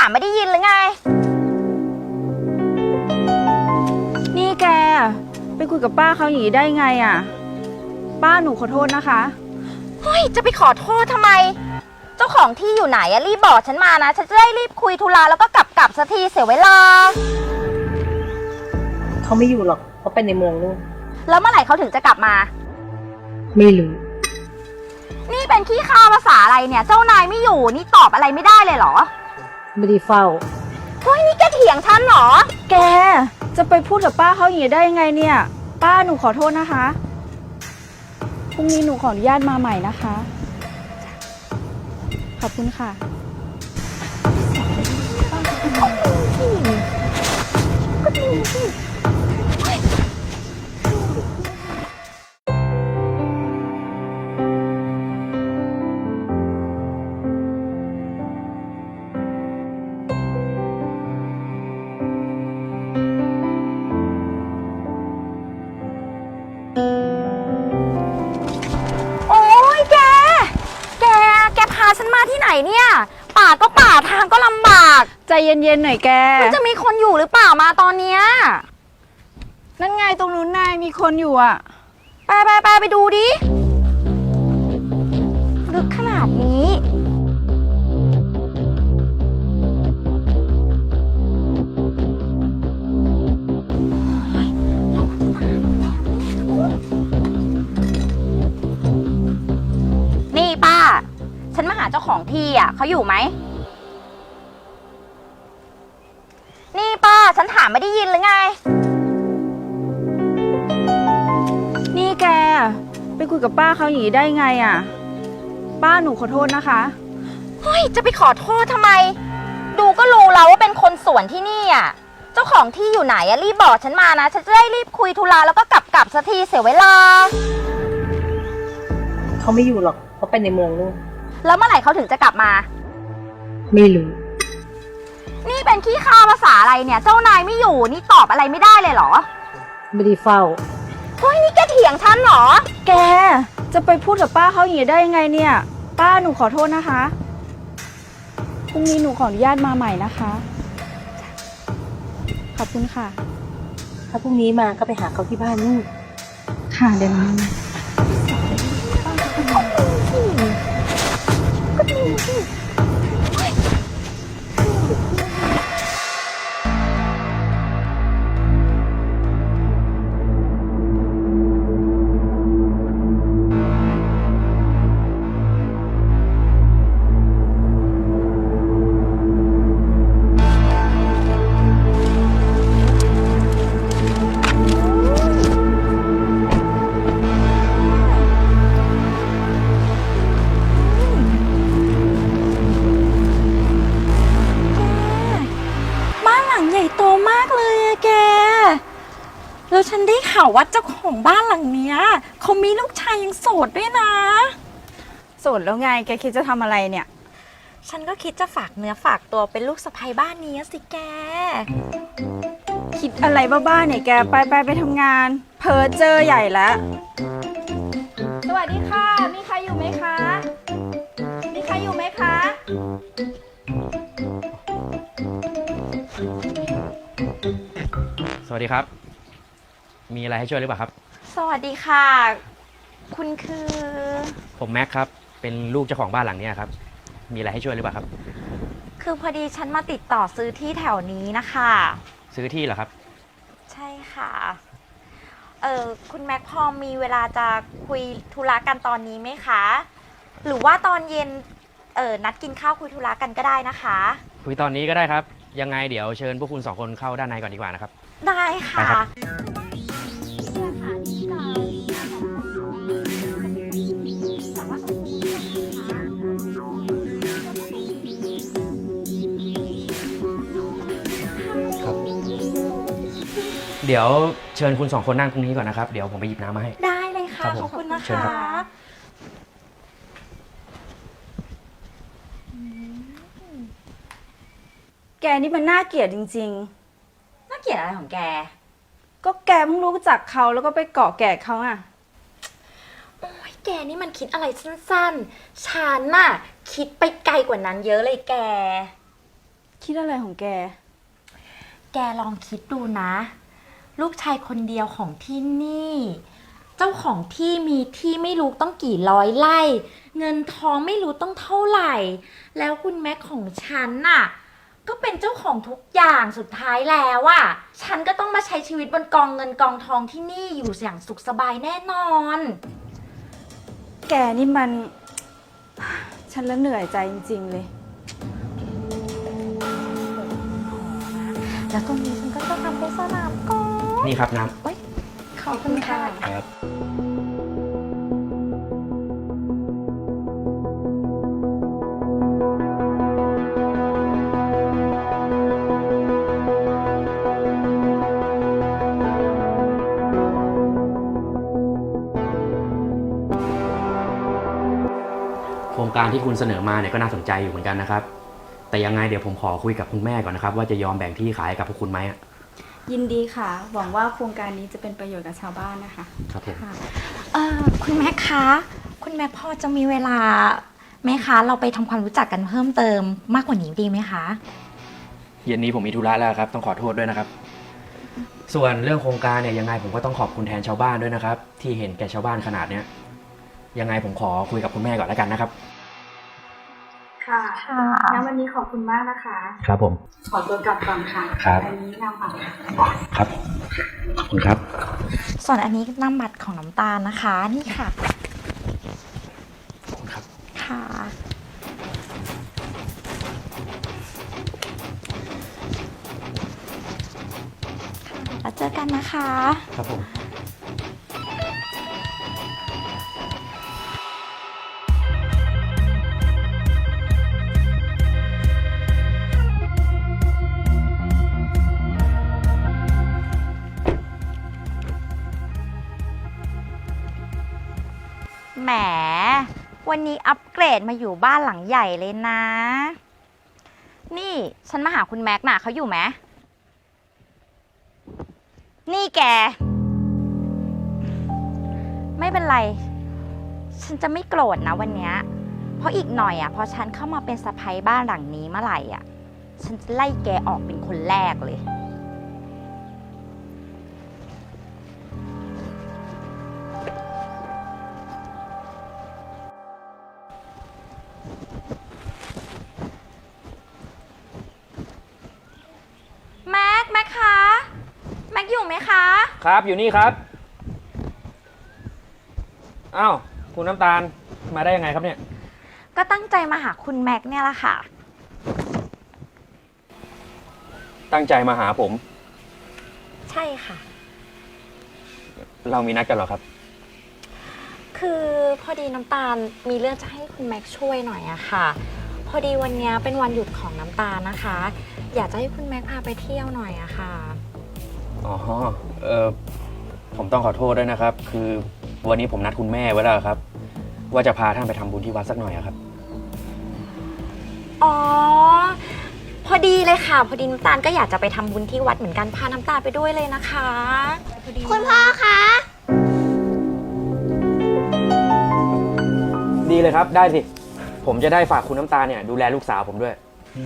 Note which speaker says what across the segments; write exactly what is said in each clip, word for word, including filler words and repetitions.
Speaker 1: ามไม่ได้ยินหรือไง
Speaker 2: นี่แกไปคุยกับป้าเขาอย่างนี้ได้ไงอ่ะป้าหนูขอโทษนะคะ
Speaker 1: เฮ้ยจะไปขอโทษทำไมเจ้าของที่อยู่ไหนอะรีบบอกฉันมานะฉันจะได้รีบคุยธุระแล้วก็กลับกลับสักทีเสียเวลา
Speaker 3: เขาไม่อยู่หรอกเขาไปในเมืองนู่น
Speaker 1: แล้วเมื่อไหร่เขาถึงจะกลับมา
Speaker 3: ไม่รู้
Speaker 1: นี่เป็นขี้ข้าวภาษาอะไรเนี่ยเจ้านายไม่อยู่นี่ตอบอะไรไม่ได้เลยเหรอ
Speaker 3: ไม่ได้เฝ้า
Speaker 1: เฮ้ยนี่แกเถียงฉันเหรอ
Speaker 2: แกจะไปพูดกับป้าเขาอย่างนี้ได้ยังไงเนี่ยป้าหนูขอโทษนะคะพรุ่งนี้หนูขออนุญาตมาใหม่นะคะขอบคุณค่ะ
Speaker 1: ก็ดีสิฉันมาที่ไหนเนี่ยป่าก็ป่าทางก็ลำบาก
Speaker 2: ใจเย็นๆหน่อยแก
Speaker 1: มันจะมีคนอยู่หรือเปล่ามาตอนเนี้ย
Speaker 2: นั่นไงตรงนู้นนายมีคนอยู่อ่ะ
Speaker 1: ไปไปไปไปดูดิลึกขนาดนี้นี่ป้าฉันมาหาเจ้าของที่อ่ะเขาอยู่ไหมนี่ป้าฉันถามไม่ได้ยินหรือไง
Speaker 2: นี่แกไปคุยกับป้าเขาอย่างนี้ได้ไงอ่ะป้าหนูขอโทษนะคะ
Speaker 1: เฮ้ยจะไปขอโทษทำไมดูก็รู้แล้วว่าเป็นคนสวนที่นี่อ่ะเจ้าของที่อยู่ไหนอ่ะรีบบอกฉันมานะฉันจะได้รีบคุยธุระแล้วก็กลับกลับสักทีเสียเวลา
Speaker 3: เขาไม่อยู่หรอกเขาไปในเมืองนู่น
Speaker 1: แล้วเมื่อไหร่เขาถึงจะกลับมา
Speaker 3: ไม่รู้
Speaker 1: นี่เป็นขี้ข้าวภาษาอะไรเนี่ยเจ้านายไม่อยู่นี่ตอบอะไรไม่ได้เลยเหรอ
Speaker 3: ไม่ได้เฝ้า
Speaker 1: เฮ้ยนี่แกเถียงฉันเหรอ
Speaker 2: แกจะไปพูดกับป้าเขาอย่างนี้ได้ยังไงเนี่ยป้าหนูขอโทษนะคะพรุ่งนี้หนูขออนุญาตมาใหม่นะคะขอบคุณค่ะ
Speaker 3: ถ้าพรุ่งนี้มาก็ไปหาเขาที่บ้านนู่น
Speaker 2: ค่ะเดี๋ยวนี้
Speaker 1: ก็ดีสิแล้วฉันได้ข่าวว่าเจ้าของบ้านหลังเนี้ยเขามีลูกชายยังโสดด้วยนะ
Speaker 2: โสดแล้วไงแกคิดจะทำอะไรเนี่ย
Speaker 1: ฉันก็คิดจะฝากเนื้อฝากตัวเป็นลูกสะใภ้บ้านนี้สิแก
Speaker 2: คิดอะไรบ้าๆเนี่ยแกไปไปไปทำงานเพ้อเจอใหญ่แล้วสวัสดีค่ะมีใครอยู่ไหมคะมีใครอยู่ไหมคะ
Speaker 4: สวัสดีครับมีอะไรให้ช่วยหรือเปล่าครับ
Speaker 1: สวัสดีค่ะคุณคือ
Speaker 4: ผมแม็กครับเป็นลูกเจ้าของบ้านหลังนี้ครับมีอะไรให้ช่วยหรือเปล่าครับ
Speaker 1: คือพอดีฉันมาติดต่อซื้อที่แถวนี้นะคะ
Speaker 4: ซื้อที่เหรอครับ
Speaker 1: ใช่ค่ะเออคุณแม็กพอมีเวลาจะคุยธุระกันตอนนี้ไหมคะหรือว่าตอนเย็นเออนัดกินข้าวคุยธุระกันก็ได้นะคะ
Speaker 4: คุยตอนนี้ก็ได้ครับยังไงเดี๋ยวเชิญพวกคุณสองคนเข้าด้านในก่อนดีกว่านะครับ
Speaker 1: ได้ค่ะ
Speaker 4: เดี๋ยวเชิญคุณสองคนนั่งตรงนี้ก่อนนะครับเดี๋ยวผมไปหยิบน้ำมาให้
Speaker 1: ได้เลยค่ะขอบคุณนะคะ
Speaker 2: แกนี่มันน่าเกลียดจริง
Speaker 1: ๆน่าเกลียดอะไรของแก
Speaker 2: ก็แกเพิ่งรู้จักเขาแล้วก็ไปเกาะแกะเขาอ่ะ
Speaker 1: โอ้ยแกนี่มันคิดอะไรสั้นๆฉันน่ะคิดไปไกลกว่านั้นเยอะเลยแก
Speaker 2: คิดอะไรของแก
Speaker 1: แกลองคิดดูนะ ลูกชายคนเดียวของที่นี่ เจ้าของที่มีที่ไม่รู้ต้องกี่ร้อยไร่ เงินทองไม่รู้ต้องเท่าไหร่ แล้วคุณแม็กของฉันน่ะ ก็เป็นเจ้าของทุกอย่างสุดท้ายแล้วอะฉันก็ต้องมาใช้ชีวิตบนกองเงินกองทองที่นี่อยู่อย่างสุขสบายแน่นอน
Speaker 2: แกนี่มัน ฉันละเหนื่อยใจจริงๆเลย
Speaker 1: แล้วตรงนี้ฉันก็จะทำเป็นสนามกอล์ฟ
Speaker 4: นี่ครับน้
Speaker 1: เอ้ยขอบคุณค่ะ
Speaker 4: ำครับ โครงการที่คุณเสนอมาเนี่ยก็น่าสนใจอยู่เหมือนกันนะครับ แต่ยังไงเดี๋ยวผมขอคุยกับคุณแม่ก่อนนะครับ ว่าจะยอมแบ่งที่ขายให้กับพวกคุณไหมอะ
Speaker 2: ยินดีค่ะ หวังว่าโครงการนี้จะเป็นประโยชน์กับชาวบ้านนะคะ
Speaker 4: ครับผม
Speaker 1: ค่ะเอ่อคุณแม่คะ คุณแม่พอจะมีเวลาไหมคะ เราไปทำความรู้จักกันเพิ่มเติมมากกว่านี้ดีไหมคะ
Speaker 4: เย็นนี้ผมมีธุระแล้วครับ ต้องขอโทษด้วยนะครับ ส่วนเรื่องโครงการเนี่ยยังไงผมก็ต้องขอบคุณแทนชาวบ้านด้วยนะครับ ที่เห็นแก่ชาวบ้านขนาดเนี้ยยังไงผมขอคุยกับคุณแม่ก่อนแล้วกันนะครับ
Speaker 2: ค่ะ
Speaker 1: ค่ะ
Speaker 2: งั้นวันนี้ขอบคุณมากนะคะ
Speaker 4: ครับผม
Speaker 2: ขอตัวกลับก่อนค่ะ
Speaker 4: ครับ
Speaker 2: อันนี้นำบัตร
Speaker 4: ครับขอบคุณครับ
Speaker 1: ส่วนอันนี้น้ำบัตรของน้ำตาลนะคะ นี่ค่ะ
Speaker 4: ขอบคุณครับ
Speaker 1: ค่ะ แล้วเจอกันนะคะ
Speaker 4: ครับผม
Speaker 1: แหม วันนี้อัปเกรดมาอยู่บ้านหลังใหญ่เลยนะ นี่ฉันมาหาคุณแม็กน่ะเขาอยู่ไหม นี่แก ไม่เป็นไร ฉันจะไม่โกรธนะวันเนี้ย เพราะอีกหน่อยอ่ะพอฉันเข้ามาเป็นสะใภ้บ้านหลังนี้เมื่อไหร่อ่ะ ฉันจะไล่แกออกเป็นคนแรกเลย แม็ก แม็กคะ แม็กอยู่ไหมคะ
Speaker 4: ครับอยู่นี่ครับ อ้าวคุณน้ำตาลมาได้ยังไงครับเนี่ย
Speaker 1: ก็ตั้งใจมาหาคุณแม็กเนี่ยแหละค่ะ
Speaker 4: ตั้งใจมาหาผม
Speaker 1: ใช่ค่ะ
Speaker 4: เรามีนัดกันเหรอครับ
Speaker 1: คือพอดีน้ำตาลมีเรื่องจะให้คุณแม็กช่วยหน่อยอะค่ะ พอดีวันเนี้ยเป็นวันหยุดของน้ำตาลนะคะ อยากจะให้คุณแม็กพาไปเที่ยวหน่อยอะค่ะ
Speaker 4: อ๋อ เออผมต้องขอโทษด้วยนะครับ คือวันนี้ผมนัดคุณแม่ไว้แล้วครับ ว่าจะพาท่านไปทำบุญที่วัดสักหน่อยอะครับ
Speaker 1: อ๋อ พอดีเลยค่ะ พอดีน้ำตาลก็อยากจะไปทำบุญที่วัดเหมือนกัน พาน้ำตาลไปด้วยเลยนะคะพอดี
Speaker 5: คุณพ่อคะ
Speaker 4: ดีเลยครับ ได้สิ ผมจะได้ฝากคุณน้ำตาลเนี่ยดูแลลูกสาวผมด้วย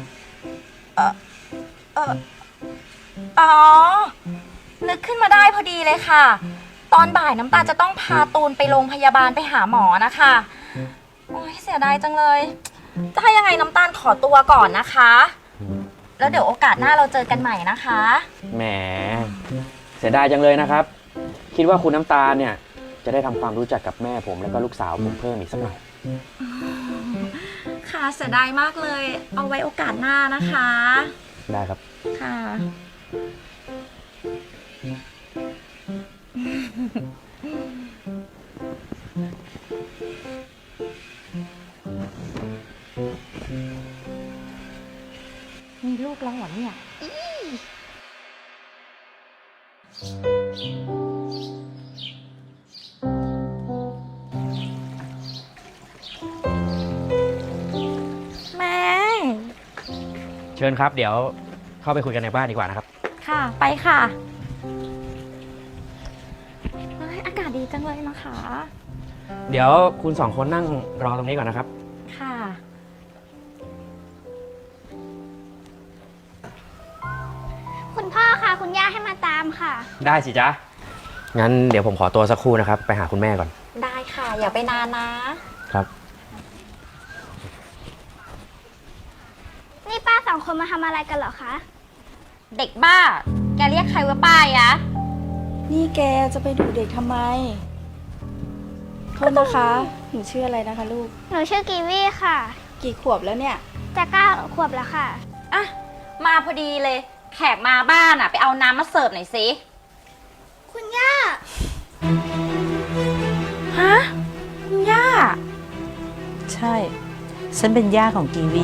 Speaker 1: อ๋อ นึกขึ้นมาได้พอดีเลยค่ะ ตอนบ่ายน้ำตาลจะต้องพาตูนไปโรงพยาบาลไปหาหมอนะคะ โอ้ยเสียดายจังเลย จะให้ยังไงน้ำตาลขอตัวก่อนนะคะ แล้วเดี๋ยวโอกาสหน้าเราเจอกันใหม่นะคะ
Speaker 4: แหม เสียดายจังเลยนะครับ คิดว่าคุณน้ำตาลเนี่ยจะได้ทำความรู้จักกับแม่ผมแล้วก็ลูกสาวผมเพิ่มอีกสักหน่อย
Speaker 1: ค่ะเสียดายมากเลย เอาไว้โอกาสหน้านะคะ
Speaker 4: ได้ครับ
Speaker 1: ค่ะ มีลูกแล้วเหรอเนี่ยอีแม่
Speaker 4: เชิญครับ เดี๋ยวเข้าไปคุยกันในบ้านดีกว่านะครับ
Speaker 1: ค่ะ ไปค่ะเฮ้ยอากาศดีจังเลยนะคะ
Speaker 4: เดี๋ยวคุณสองคนนั่งรอตรงนี้ก่อนนะครับ
Speaker 1: ค่ะ
Speaker 5: าคุณย่าให้มาตามค่ะ
Speaker 4: ได้สิจ๊ะ งั้นเดี๋ยวผมขอตัวสักครู่นะครับ ไปหาคุณแม่ก่อน
Speaker 1: ได้ค่ะ อย่าไปนานนะ
Speaker 4: ครับ
Speaker 5: นี่ป้าสองคนมาทำอะไรกันเหรอคะ
Speaker 1: เด็กบ้า แกเรียกใครว่าป้ายะ
Speaker 2: นี่แกจะไปดุเด็กทำไม โทษนะคะ หนูชื่ออะไรนะคะลูก
Speaker 5: หนูชื่อกีวี่ค่ะ
Speaker 2: กี่ขวบแล้วเนี่ย
Speaker 5: จะเก้าขวบแล้วค่ะ
Speaker 1: อ่ะ มาพอดีเลย แขกมาบ้านอ่ะ ไปเอาน้ำมาเสิร์ฟหน่อยสิ
Speaker 5: คุณย่า
Speaker 1: ฮะคุณย่า
Speaker 3: ใช่ ฉันเป็นย่าของกีวี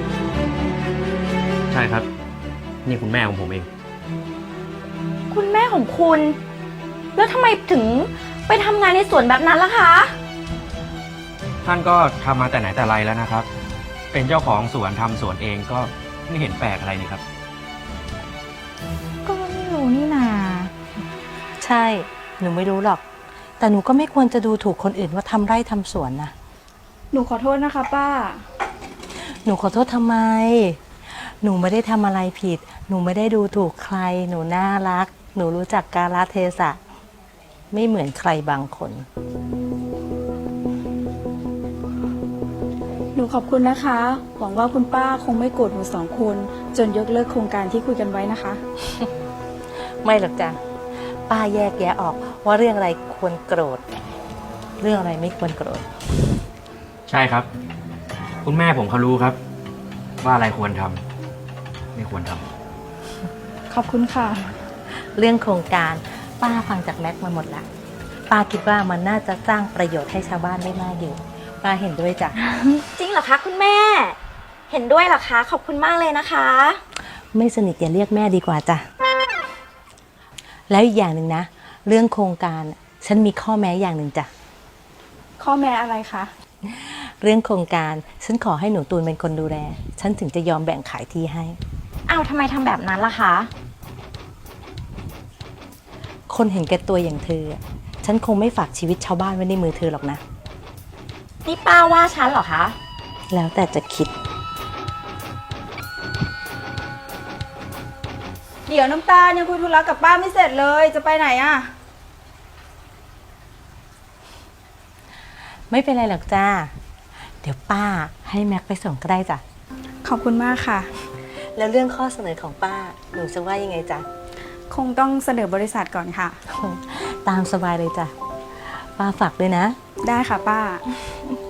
Speaker 4: ใช่ครับ นี่คุณแม่ของผมเอง
Speaker 1: คุณแม่ของคุณ แล้วทำไมถึงไปทำงานในสวนแบบนั้นล่ะคะ
Speaker 4: ท่านก็ทำมาแต่ไหนแต่ไรแล้วนะครับ เป็นเจ้าของสวนทำสวนเองก็ไม่เห็นแปลกอะไรนี่ครับ
Speaker 1: ก็ไม่รู้นี่นา
Speaker 3: ใช่ หนูไม่รู้หรอก แต่หนูก็ไม่ควรจะดูถูกคนอื่นว่าทำไร่ทำสวนนะ
Speaker 2: หนูขอโทษนะคะป้า
Speaker 3: หนูขอโทษทำไม หนูไม่ได้ทำอะไรผิด หนูไม่ได้ดูถูกใคร หนูน่ารัก หนูรู้จักกาลเทศะ ไม่เหมือนใครบางคน
Speaker 2: หนูขอบคุณนะคะ หวังว่าคุณป้าคงไม่โกรธหนูสองคน จนยกเลิกโครงการที่คุยกันไว้นะคะ
Speaker 3: ไม่หรอกจ้ะ ป้าแยกแยะออกว่าเรื่องอะไรควรโกรธ เรื่องอะไรไม่ควรโกรธ
Speaker 4: ใช่ครับ คุณแม่ผมเขารู้ครับ ว่าอะไรควรทำไม่ควรทำ
Speaker 2: ขอบคุณค่ะ
Speaker 3: เรื่องโครงการป้าฟังจากแม็กมาหมดละป้าคิดว่ามันน่าจะสร้างประโยชน์ให้ชาวบ้านได้มากอยู่ ป้าเห็นด้วยจ้ะ
Speaker 1: จริงเหรอคะคุณแม่ เห็นด้วยเหรอคะ ขอบคุณมากเลยนะคะ
Speaker 3: ไม่สนิทอย่าเรียกแม่ดีกว่าจ้ะ แล้วอีกอย่างหนึ่งนะ เรื่องโครงการฉันมีข้อแม้อย่างหนึ่งจ้ะ
Speaker 2: ข้อแม้อะไรคะ
Speaker 3: เรื่องโครงการฉันขอให้หนูตูนเป็นคนดูแล ฉันถึงจะยอมแบ่งขายที่ให้
Speaker 1: อ้าวทำไมทำแบบนั้นล่ะคะ
Speaker 3: คนเห็นแก่ตัวอย่างเธอ ฉันคงไม่ฝากชีวิตชาวบ้านไว้ในมือเธอหรอกนะ
Speaker 1: นี่ป้าว่าฉันเหรอคะ
Speaker 3: แล้วแต่จะคิด
Speaker 2: เดี๋ยวน้ำตาลยังคุยธุระกับป้าไม่เสร็จเลย จะไปไหนอะ
Speaker 3: ไม่เป็นไรหรอกจ้า เดี๋ยวป้าให้แม็กไปส่งก็ได้จ้ะ
Speaker 2: ขอบคุณมากค่ะ
Speaker 3: แล้วเรื่องข้อเสนอของป้า หนูจะว่ายังไงจ๊ะ
Speaker 2: คงต้องเสนอบริษัทก่อนค่ะ
Speaker 3: ตามสบายเลยจ้ะ ป้าฝากด้วยนะ
Speaker 2: ได้ค่ะป้า